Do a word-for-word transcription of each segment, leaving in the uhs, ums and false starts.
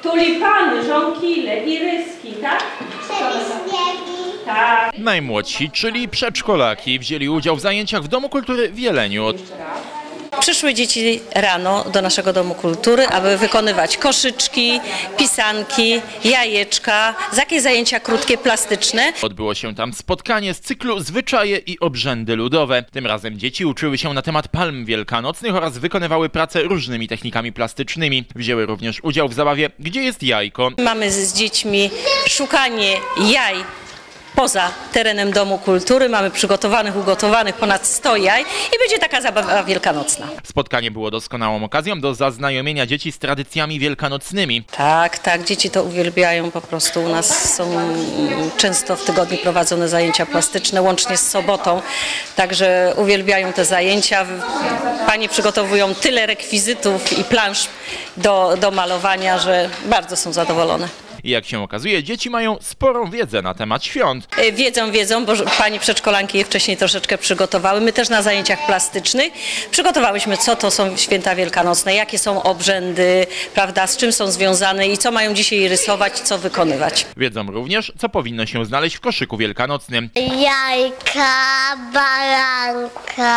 Tulipany, żonkile, iryski, tak? Tak. Najmłodsi, czyli przedszkolaki, wzięli udział w zajęciach w Domu Kultury w Jeleniu. Przyszły dzieci rano do naszego Domu Kultury, aby wykonywać koszyczki, pisanki, jajeczka, jakieś zajęcia krótkie, plastyczne. Odbyło się tam spotkanie z cyklu Zwyczaje i obrzędy ludowe. Tym razem dzieci uczyły się na temat palm wielkanocnych oraz wykonywały pracę różnymi technikami plastycznymi. Wzięły również udział w zabawie Gdzie jest jajko? Mamy z dziećmi szukanie jaj poza terenem Domu Kultury. Mamy przygotowanych, ugotowanych ponad sto jaj i będzie taka zabawa wielkanocna. Spotkanie było doskonałą okazją do zaznajomienia dzieci z tradycjami wielkanocnymi. Tak, tak, dzieci to uwielbiają po prostu. U nas są często w tygodniu prowadzone zajęcia plastyczne, łącznie z sobotą, także uwielbiają te zajęcia. Panie przygotowują tyle rekwizytów i plansz do, do malowania, że bardzo są zadowolone. I jak się okazuje, dzieci mają sporą wiedzę na temat świąt. Wiedzą, wiedzą, bo pani przedszkolanki je wcześniej troszeczkę przygotowały. My też na zajęciach plastycznych przygotowałyśmy, co to są święta wielkanocne, jakie są obrzędy, prawda, z czym są związane i co mają dzisiaj rysować, co wykonywać. Wiedzą również, co powinno się znaleźć w koszyku wielkanocnym. Jajka, baranka,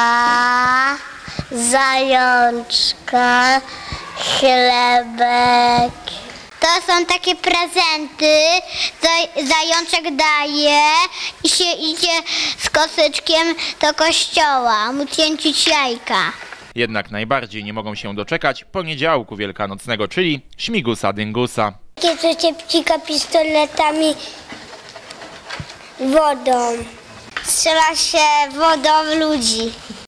zajączka, chlebek. To są takie prezenty, zajączek daje i się idzie z kosyczkiem do kościoła, mu cięcić jajka. Jednak najbardziej nie mogą się doczekać poniedziałku wielkanocnego, czyli śmigusa dyngusa. Takie co się pcika pistoletami wodą. Strzela się wodą w ludzi.